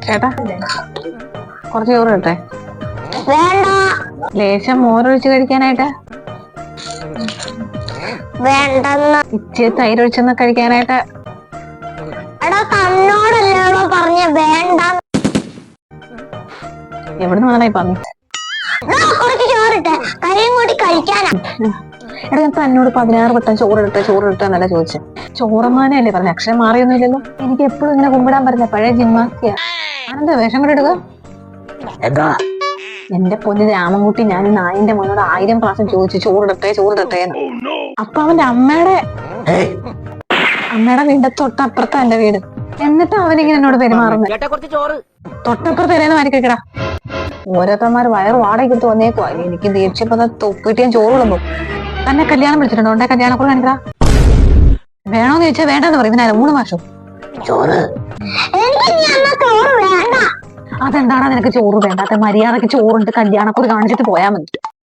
ചേട്ടാ കുറച്ച് ചോറ് കിട്ടെ. വേണ്ട. ലേശം മോരൊഴിച്ച് കഴിക്കാനായിട്ട്. വേണ്ടെന്ന്. ഇച്ചിരി തൈരൊഴിച്ചൊന്ന് കഴിക്കാനായിട്ട്. എടാ തന്നോടല്ലോ പറഞ്ഞ വേണ്ട. എവിടുന്ന് വന്നായി പറഞ്ഞു? കുറച്ച് ചോറിട്ടെ കറിയും കൂടി കഴിക്കാനാ. എടാ ഞാൻ തന്നോട് 16 വട്ടം ചോറിട്ടെ എന്നല്ല ചോദിച്ചത്. ചോറമ്മാനല്ലേ പറഞ്ഞ, അക്ഷരം മാറിയൊന്നുമില്ലല്ലോ. എനിക്ക് എപ്പോഴും ഇങ്ങനെ കുമ്പിടാൻ പറ്റില്ല, പഴയ ജിമ്മാക്കിയ. ഞാനെന്താ വേഷം കൂടെ എടുക്കുക? എന്റെ പൊന്ന് രാമൻകുട്ടി, ഞാൻ ഈ നായിന്റെ മോനോട് 1000 പ്രാവശ്യം ചോദിച്ചു ചോറിടട്ടെ എന്ന്. അപ്പൊ അവന്റെ അമ്മയുടെ വീടിന്റെ തൊട്ടപ്പുറത്താ എന്റെ വീട്. എന്നിട്ട് അവനിങ്ങനെ എന്നോട് പെരുമാറുന്നത്. തൊട്ടപ്പുറത്ത് തരുന്ന മാറി കഴിക്കടാ. ഓരോരുത്തന്മാർ വയറ് വാടകയ്ക്ക് വന്നേക്കുവാ. എനിക്ക് ദേഷ്യപ്പോ തൊപ്പിട്ട് ഞാൻ ചോറ് വിളമ്പോ. തന്നെ കല്യാണം വിളിച്ചിട്ടുണ്ടോ? ഉണ്ടെ കല്യാണക്കുള്ള കാണിക്കടാ. വേണോന്ന് ചോദിച്ചാൽ വേണ്ടെന്ന് പറയും. ഇതിനാ 3 മാസം ചോറ്. അതെന്താടാ നിനക്ക് ചോറ് വേണ്ടാത്ത? മര്യാദക്ക് ചോറുണ്ട് കല്യാണക്കുറി കാണിച്ചിട്ട് പോയാൽ മതി.